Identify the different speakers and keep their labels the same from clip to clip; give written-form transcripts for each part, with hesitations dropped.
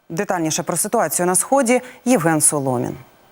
Speaker 1: Детальніше про ситуацію на Сході Євген Соломін.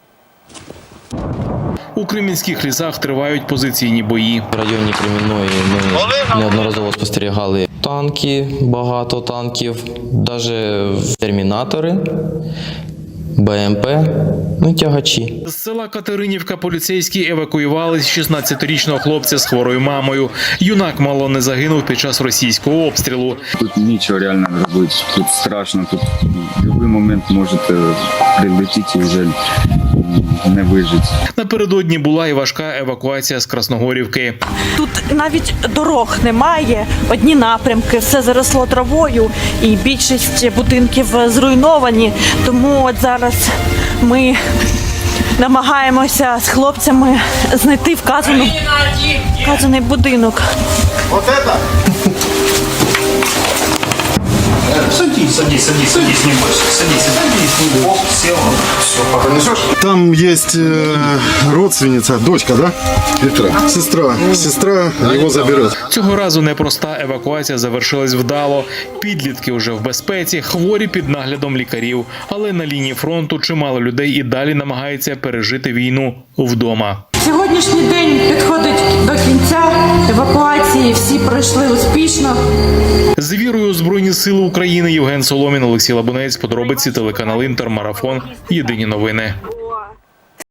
Speaker 2: У кремінських лісах тривають позиційні бої.
Speaker 3: В районі Кремінної ми неодноразово спостерігали танки, багато танків, навіть термінатори, БМП, тягачі.
Speaker 2: З села Катеринівка поліцейські евакуювали 16-річного хлопця з хворою мамою. Юнак мало не загинув під час російського обстрілу.
Speaker 4: Тут нічого реально робити, тут страшно, тут в будь-який момент можете прилетіти і вже не вижити.
Speaker 2: Напередодні була і важка евакуація з Красногорівки.
Speaker 5: Тут навіть дорог немає, одні напрямки, все заросло травою і більшість будинків зруйновані. Тому от зараз ми намагаємося з хлопцями знайти вказаний будинок.
Speaker 6: Садись, не бойся. Садись, оп, сел, все, понесешь?
Speaker 7: Там есть родственница, дочка, да? Петра. Сестра его заберет.
Speaker 2: Цього разу непроста евакуація завершилась вдало. Підлітки вже в безпеці, хворі під наглядом лікарів. Але на лінії фронту чимало людей і далі намагається пережити війну вдома.
Speaker 5: Сьогоднішній день підходить до кінця евакуації, всі пройшли успішно.
Speaker 2: З вірою у Збройні Сили України Євген Соломін, Олексій Лабунець, подробиці, телеканал Інтер, Марафон, Єдині новини.